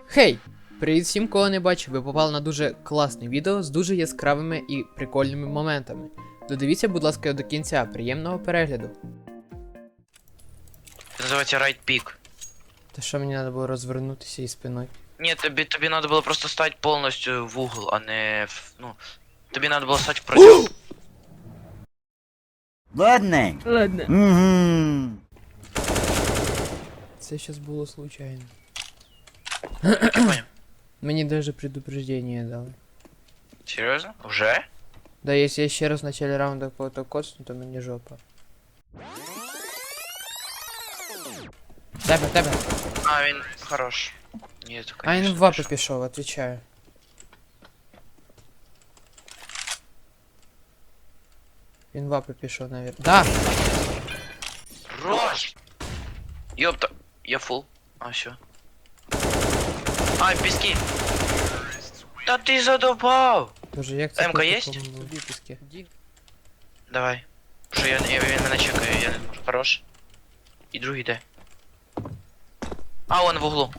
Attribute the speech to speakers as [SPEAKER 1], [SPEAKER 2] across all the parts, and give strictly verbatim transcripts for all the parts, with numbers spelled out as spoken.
[SPEAKER 1] Хей! Привіт всім, кого не бачив, ви попали на дуже класне відео з дуже яскравими і прикольними моментами. Додивіться, будь ласка, до кінця, приємного перегляду.
[SPEAKER 2] Це називається Right Pick.
[SPEAKER 1] Та що мені треба було розвернутися і спиною?
[SPEAKER 2] Ні, тобі, тобі треба було просто стати повністю в угол, а не в, ну, тобі треба було стати в протягу.
[SPEAKER 3] Ладно.
[SPEAKER 1] Ладно.
[SPEAKER 3] Угу.
[SPEAKER 1] Це щас було случайно.
[SPEAKER 2] Я понял.
[SPEAKER 1] Мені даже предупреждение дали.
[SPEAKER 2] Серйозно? Вже?
[SPEAKER 1] Да, если я ще раз в начале раунда кого-то коцну, то мені жопа. Тебе, тебе.
[SPEAKER 2] А, він хорош. Ні, то,
[SPEAKER 1] А
[SPEAKER 2] конечно,
[SPEAKER 1] він в вапи
[SPEAKER 2] хорошо.
[SPEAKER 1] пішов, отвечаю. Він в вапи пішов, навіть. Да!
[SPEAKER 2] Хорош! Ёпта. Я фул. А, все. А, в піскі. Та ти задовбав!
[SPEAKER 1] Боже, як це
[SPEAKER 2] М-ка
[SPEAKER 1] по
[SPEAKER 2] єсть?
[SPEAKER 1] такому було? Виписки.
[SPEAKER 2] Давай. Що я, я, він мене чекає, я не можу. Хорош. І другий де? А, он в углу.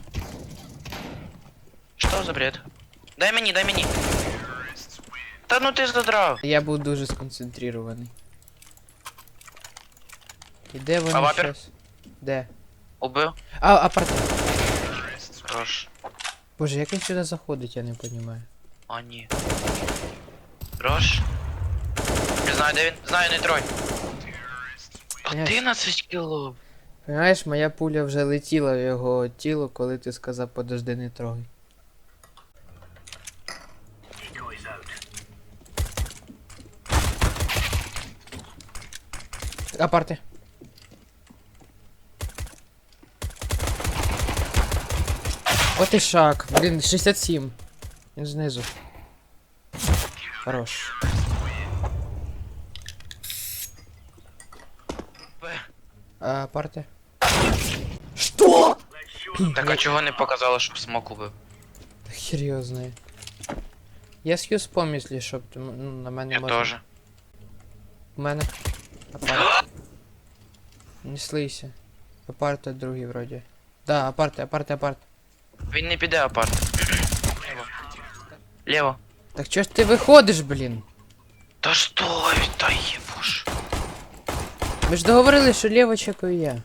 [SPEAKER 2] Що за бред? Дай мені, дай мені. Та ну ти задрав.
[SPEAKER 1] Я був дуже сконцентрирований. І де вони
[SPEAKER 2] А вапер?
[SPEAKER 1] щас? Де?
[SPEAKER 2] Убив.
[SPEAKER 1] А, апарт.
[SPEAKER 2] Хорош.
[SPEAKER 1] Боже, як він сюди заходить, я не розумію.
[SPEAKER 2] А, ні. Хорош. Не знаю, де він. Знаю, не трой. одинадцять кіло.
[SPEAKER 1] Понимаєш, моя пуля вже летіла в його тіло, коли ти сказав подожди, не трогай. Апарти. От і шаг. Блін, шістдесят сім. Він знизу. Хорош. А, апарти. Что?
[SPEAKER 2] Так а чого не показало, щоб смок убив?
[SPEAKER 1] Хер його знає. Я с'юз поміслі, щоб ну, на мене
[SPEAKER 2] Я
[SPEAKER 1] можна.
[SPEAKER 2] теж.
[SPEAKER 1] У мене. Апарт. Не слийся. Апарт другий вроді. Да, апарти, апарти, апарт.
[SPEAKER 2] Він не піде апарт. Лево. Лево.
[SPEAKER 1] Так чого ж ти виходиш, блін?
[SPEAKER 2] Та стой, та єбуш.
[SPEAKER 1] Ми ж договорились, що ліво чекаю я.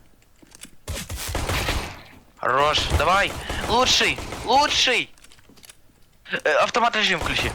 [SPEAKER 2] Хорош, давай. Лучший, лучший. Э, автомат режим включи.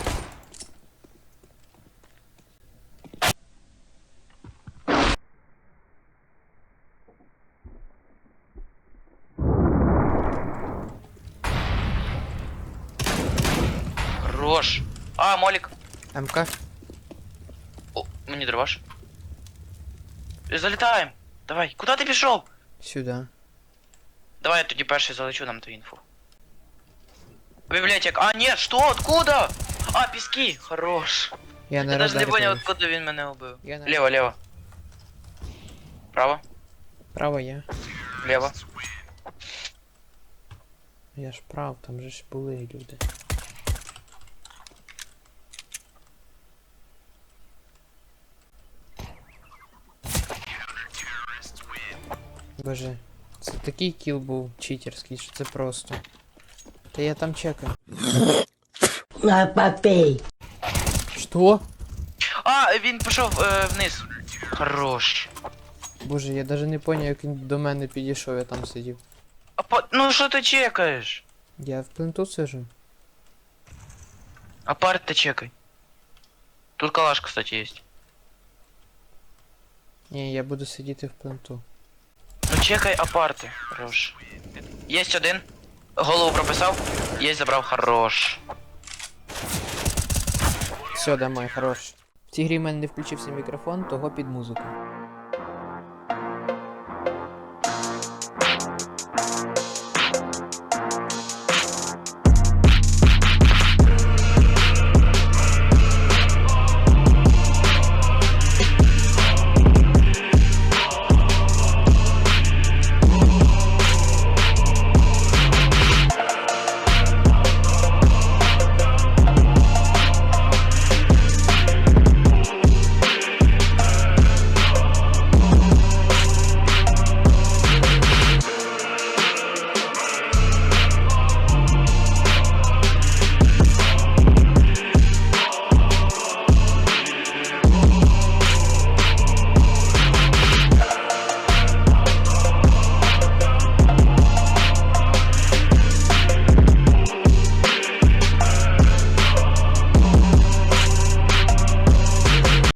[SPEAKER 2] Хорош. А, молик.
[SPEAKER 1] МК.
[SPEAKER 2] О, мені дроваш. Залітаємо. Давай. Куди ти пішов?
[SPEAKER 1] Сюди.
[SPEAKER 2] Давай я тоді перший залечу нам ту інфу. Библиотек. А, нет, что? Откуда? А, пески. Хорош.
[SPEAKER 1] Я на
[SPEAKER 2] Я даже не
[SPEAKER 1] радарі
[SPEAKER 2] понял,
[SPEAKER 1] дивлюсь.
[SPEAKER 2] откуда він мене убив.
[SPEAKER 1] Я на-
[SPEAKER 2] Лево, лево. Право,
[SPEAKER 1] Право я.
[SPEAKER 2] лево.
[SPEAKER 1] Я ж прав, там же ж були люди. Боже, це такий кіл був читерський, що це просто. Та я там чекаю.
[SPEAKER 4] На попей.
[SPEAKER 1] Що?
[SPEAKER 2] А, він пішов е, вниз. Хорош.
[SPEAKER 1] Боже, я даже не поняв, як він до мене підійшов, я там сидів.
[SPEAKER 2] А по... Ну що ти чекаєш?
[SPEAKER 1] Я в пленту сижу.
[SPEAKER 2] Апарт ти чекай. Тут калаш, кстати, есть.
[SPEAKER 1] Ні, я буду сидіти в пленту.
[SPEAKER 2] Ну чекай апарти. Хорош. Есть один. Голову прописав. Есть, забрав. Хорош.
[SPEAKER 1] Все, домой, хорош. В цій грі в мене не включився мікрофон, того під музику.